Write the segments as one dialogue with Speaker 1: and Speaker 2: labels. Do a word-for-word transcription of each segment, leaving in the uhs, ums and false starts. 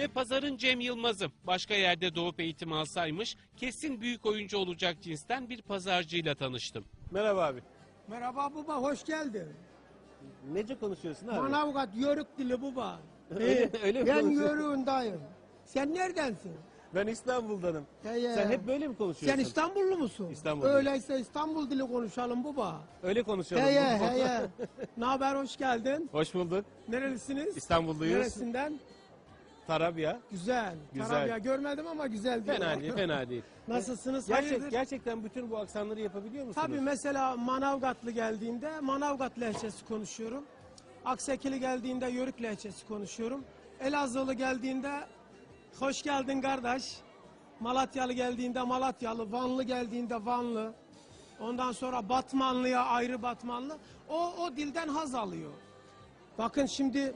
Speaker 1: Ve pazarın Cem Yılmaz'ı. Başka yerde doğup eğitim alsaymış kesin büyük oyuncu olacak cinsten bir pazarcıyla tanıştım. Merhaba abi.
Speaker 2: Merhaba baba, hoş geldin.
Speaker 1: Nece konuşuyorsun abi?
Speaker 2: Manavgat yörük dili baba.
Speaker 1: Öyle-
Speaker 2: Ee,
Speaker 1: öyle mi
Speaker 2: ben
Speaker 1: konuşuyorsun?
Speaker 2: yörüğündayım. Sen neredensin?
Speaker 1: Ben İstanbul'danım.
Speaker 2: He, he.
Speaker 1: Sen hep böyle mi konuşuyorsun?
Speaker 2: Sen İstanbullu musun?
Speaker 1: İstanbulluyum.
Speaker 2: Öyleyse İstanbul dili konuşalım baba.
Speaker 1: Öyle konuşalım.
Speaker 2: Heye heye. Ne haber, hoş geldin.
Speaker 1: Hoş bulduk.
Speaker 2: Nerelisiniz?
Speaker 1: İstanbulluyuz.
Speaker 2: Neresinden?
Speaker 1: Tarabya.
Speaker 2: Güzel.
Speaker 1: Güzel.
Speaker 2: Tarabya görmedim ama güzel diyorlar.
Speaker 1: Fena değil, fena değil.
Speaker 2: Nasılsınız?
Speaker 1: Gerçek,
Speaker 2: Hayırdır?
Speaker 1: gerçekten bütün bu aksanları yapabiliyor musunuz?
Speaker 2: Tabii mesela Manavgatlı geldiğinde Manavgat lehçesi konuşuyorum. Aksekili geldiğinde Yörük lehçesi konuşuyorum. Elazığlı geldiğinde hoş geldin kardeş. Malatyalı geldiğinde Malatyalı, Vanlı geldiğinde Vanlı. Ondan sonra Batmanlıya ayrı Batmanlı. O, o dilden haz alıyor. Bakın şimdi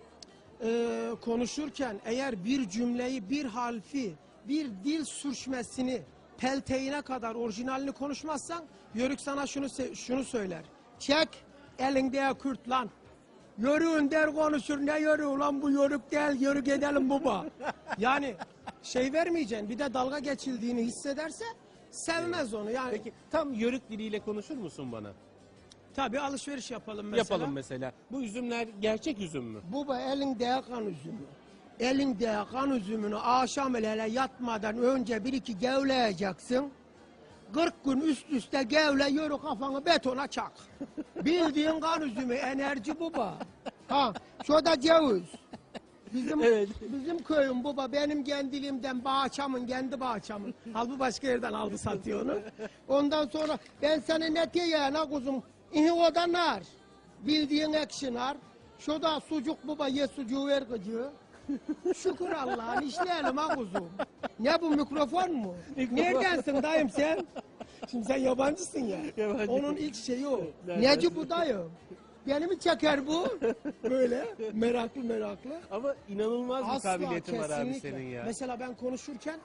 Speaker 2: e, konuşurken eğer bir cümleyi, bir harfi, bir dil sürçmesini pelteğine kadar orijinalini konuşmazsan Yörük sana şunu se- şunu söyler. Çek elinde Kürt lan. Yörüğün der konuşur, ne yörüğü lan bu yörük değil, yörük edelim baba. Yani şey vermeyeceksin, bir de dalga geçildiğini hissederse sevmez onu. Yani
Speaker 1: Peki tam Yörük diliyle konuşur musun bana?
Speaker 2: tabii alışveriş yapalım mesela.
Speaker 1: Yapalım mesela. Bu üzümler gerçek üzüm mü?
Speaker 2: Baba elinde kan üzümü. Elinde kan üzümünü akşam hele yatmadan önce bir iki gevleyeceksin. kırk gün üst üste gevle, yürü kafanı betona çak. Bildiğin kan üzümü, enerji baba. Ha, şu da ceviz. Bizim
Speaker 1: Evet.
Speaker 2: bizim köyüm baba, benim kendiliğimden bahçamın, kendi bahçamın. Halbuki başka yerden aldı satıyor onu. Ondan sonra ben seni ne diyeyim ha kuzum? İhi o da nar. Bildiğin ekşi nar. Şu da sucuk baba, ye sucuğu ver gıcığı. Şükür Allah'ın işleyelim ha kuzum. Ne bu, mikrofon mu? Neredensin dayım sen? Şimdi sen yabancısın ya.
Speaker 1: Yabancı.
Speaker 2: Onun ilk şeyi o.
Speaker 1: Nereden?
Speaker 2: Neci bu dayım? Beni mi çeker bu? Böyle meraklı meraklı.
Speaker 1: Ama inanılmaz bir
Speaker 2: Asla,
Speaker 1: kabiliyetin var abi
Speaker 2: kesinlikle.
Speaker 1: senin ya.
Speaker 2: Mesela ben konuşurken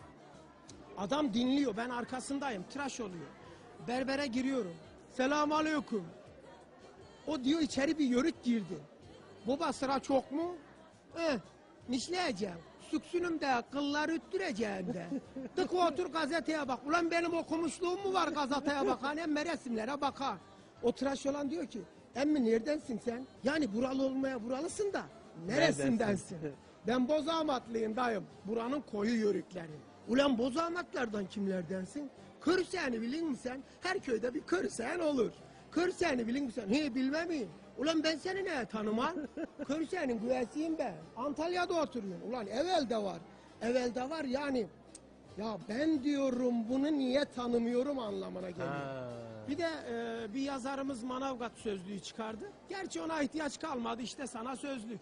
Speaker 2: adam dinliyor, ben arkasındayım, tıraş oluyor. Berbere giriyorum. Selamun aleyküm. O diyor içeri bir yörük girdi. Baba sıra çok mu? Eh, nişleyeceğim. Süksünüm de, kılları üttüreceğim de. Tık otur gazeteye bak. Ulan benim okumuşluğum mu var gazeteye bakan? Emme resimlere bakar. O tıraş olan diyor ki, emmi neredensin sen? Yani buralı olmaya buralısın da neresindensin? Ben Bozağmatlıyım dayım. Buranın koyu yörükleri. Ulan Bozağmatlardan kimlerdensin? Kırsen'i bilin mi sen? Her köyde bir Kırsen olur. Kırsen'i bilin mi sen? He bilmem mi? Ulan ben seni ne tanımam? Kırsen'in güvesiyim ben. Antalya'da oturuyorum. Ulan evvelde var. Evvelde var yani. Ya ben diyorum bunu niye tanımıyorum anlamına geliyor.
Speaker 1: Ha.
Speaker 2: Bir de e, bir yazarımız Manavgat sözlüğü çıkardı. Gerçi ona ihtiyaç kalmadı, işte sana sözlük.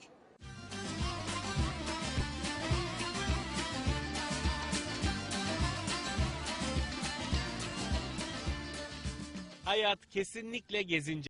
Speaker 1: Hayat kesinlikle gezince.